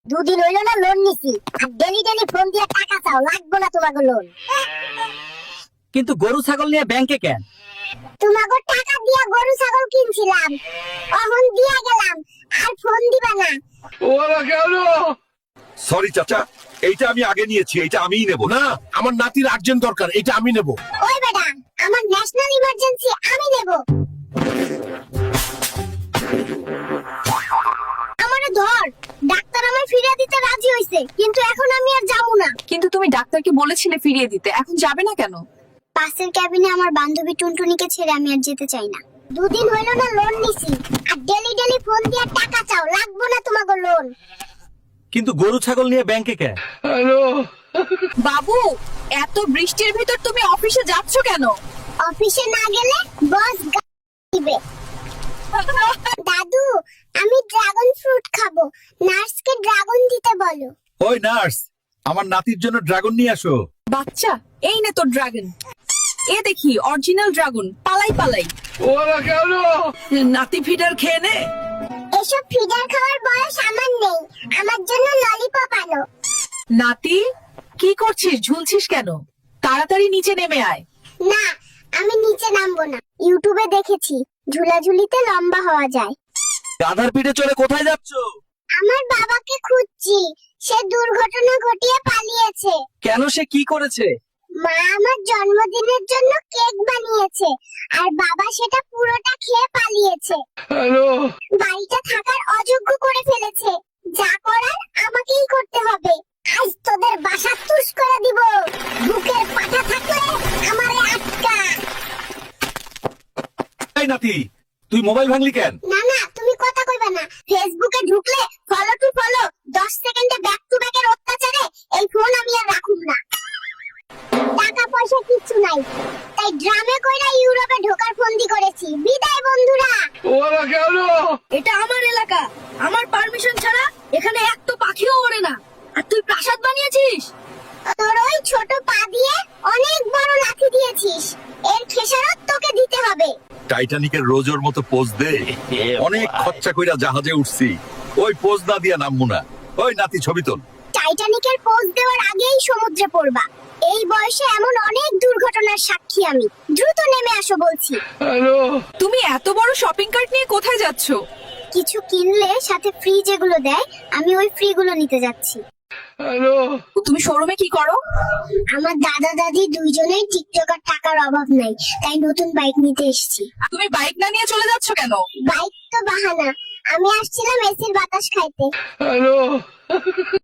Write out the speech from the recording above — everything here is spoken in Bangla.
দুদিন হইলো না লোন নিছি, আর ডেলি ডেলি ফোন দিয়ে টাকা চাও, লাগবো না তোমাকে লোন। কিন্তু গরু ছাগল নিয়ে ব্যাংকে কেন? তোমাকে টাকা দিয়া গরু ছাগল কিনছিলাম, অহন দিয়া গেলাম, আর ফোন দিবা না। সরি চাচা, এইটা আমি আগে নিয়েছি, এইটা আমিই নেব। না, আমার নাতির আর্জেন্ট দরকার, এটা আমি নেব। ওই বেটা, আমার ন্যাশনাল ইমার্জেন্সি, আমি নেব। আমারে ধর, ডাক্তার আমার ফিরিয়ে দিতে রাজি হইছে, কিন্তু এখন আমি আর যাবো না। কিন্তু তুমি ডাক্তারকে বলেছিলে ফিরিয়ে দিতে, এখন যাবে না কেন? পাশের ক্যাবিনে আমার বান্ধবী টুনটুনিকে ছেড়ে আমি আর যেতে চাই না। দুদিন হইলো না লোন নিছি, আর ডেলি ডেলি ফোন দিয়ে টাকা চাও, লাগবো না তোমাকে লোন। কিন্তু গরু ছাগল নিয়ে ব্যাংকে কেন? বাবু, এত বৃষ্টির ভিতর তুমি অফিসে যাচ্ছ কেন? অফিসে না গেলে বস দিবে। দাদু, আমি ড্রাগন ফ্রুট খাবো, নার্সকে ড্রাগন দিতে বলো। ওই নার্স, আমার নাতির জন্য ড্রাগন নিয়ে আসো। বাচ্চা, এই নে তোর ড্রাগন। এ দেখি অরিজিনাল ড্রাগন, পালাই পালাই। নাতি ফিডার খেয়ে নে। এসব ফিডার খাওয়ার বয়স আমার নেই, আমার জন্য ললিপপ আনো। নাতি, কি করছিস? ঝুলছিস কেন? তাড়াতাড়ি নিচে নেমে আয়। না, আমি নিচে নামবো না। ইউটিউবে দেখেছি ঝুলাঝুলিতে লম্বা হওয়া যায়। গাধার পিঠে চড়ে কোথায় যাচ্ছ? আমার বাবাকে খুঁজছি, সে দুর্ঘটনা ঘটিয়ে পালিয়েছে। কেন, সে কি করেছে? মা আমার জন্মদিনের জন্য কেক বানিয়েছে, আর বাবা সেটা পুরোটা খেয়ে পালিয়েছে। বাড়িটা থাকার অযোগ্য করে ফেলেছে। যা করার আমাকেই করতে হবে। আজ তোদের বাসা তুষ করে দিব। বুকের পাটা থাকলে আমারে আটকা। এই নাতি, তুই মোবাইল ভাঙলি কেন? না না, তুমি কথা কইবা না। ফেসবুকে ঢুকলে ফলো টু ফলো, 10 সেকেন্ডে ব্যাক টু ব্যাকের অত্যাচারে এই ফোন আমি আর রাখুম না। টাকা পয়সা কিচ্ছু নাই, তাই ড্রামে কইরা ইউরোপে ঢোকার ফন্দি করেছি। বিদায় বন্ধুরা। এটা আমার এলাকা, আমার পারমিশন ছাড়া এখানে এক তো পাখিও ওড়ে না। আর তুই প্রাসাদ বানিয়েছিস? তোর ওই ছোট পা দিয়ে অনেক বড় লাথি দিয়েছিস, এর খেসারত তোকে দিতে হবে। টাইটানিকের রোজোর মতো পোজ দে। অনেক খরচা কইরা জাহাজে উঠছি, ওই পোজ না দিয়া নামবো না। ওই নাতি, ছবি তোল। টাইটানিকের পোজ দেওয়ার আগেই সমুদ্রে পড়বা। এই বয়সে এমন অনেক দুর্ঘটনার সাক্ষী আমি। দ্রুত নেমে আসো বলছি। তুমি এত বড় শপিং কার্ট নিয়ে কোথায় যাচ্ছ? কিছু কিনলে সাথে ফ্রি যেগুলো দেয়, আমি ওই ফ্রি গুলো নিতে যাচ্ছি। তুমি শোরুমে কি করো? আমার দাদা দাদি দুইজনেই টিকটকার, টাকার অভাব নাই, তাই নতুন বাইক নিতে এসেছি। তুমি বাইক না নিয়ে চলে যাচ্ছ কেন? বাইক তো বাহানা, আমি আসছিলাম এসির বাতাস খাইতে।